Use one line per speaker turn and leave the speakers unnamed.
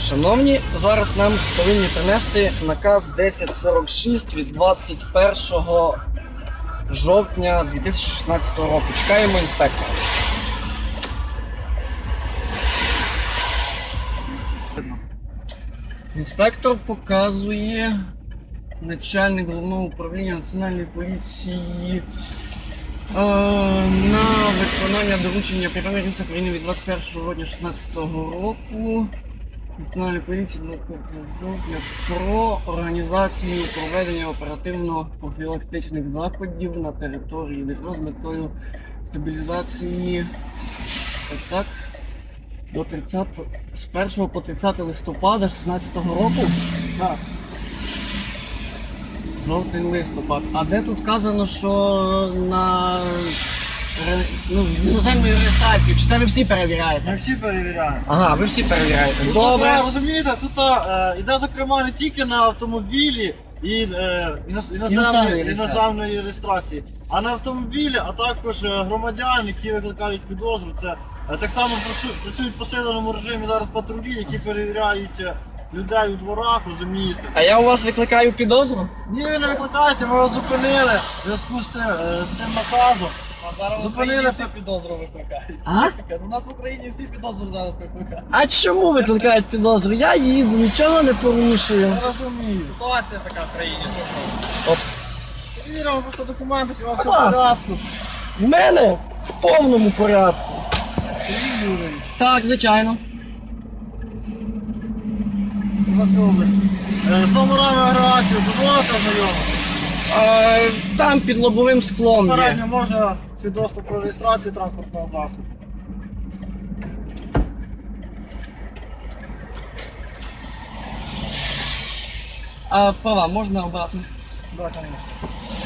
Шановні, зараз нам повинні принести наказ 1046 від 21 жовтня 2016 року. Чекаємо інспектора. Інспектор показує начальник головного управління Національної поліції на виконання доручення Прем'єр-міністра України від 21 жовтня 2016 року Національної поліції про організацію проведення оперативно-профілактичних заходів на території ДФР з метою стабілізації з 1 по 30 листопада 2016 року.
Так.
Жовтень-листопад. А де тут вказано, що на іноземну реєстрацію? Чи це ви всі перевіряєте?
Ми всі перевіряємо.
Ага, ви всі перевіряєте.
Тут,
Добре.
розумієте, тут йде зокрема не тільки на автомобілі і іноземної реєстрації, а на автомобілі, а також громадян, які викликають підозру. Це так само працюють в посиленому режимі зараз патрулі, які перевіряють людей у дворах, розумієте.
А я у вас викликаю підозру?
Ні, ви не викликаєте, ми вас зупинили в зв'язку з цим наказом.
А зараз в
Зупинили
Україні
все.
всі підозру викликають.
А?
У нас в Україні всі підозру зараз викликають.
А чому викликають підозру? Я їду, нічого не порушую.
Я розумію.
Ситуація така в країні.
Перевіримо просто документи, що у вас все
Будь
в
ласка.
порядку.
В мене в повному порядку. Так, звичайно.
З номерами агрегатів дозволите знайомити?
Там під лобовим склом є.
Попередньо можна свідоцтво про реєстрацію транспортного засобу.
А права можна обратно?
Так, звісно.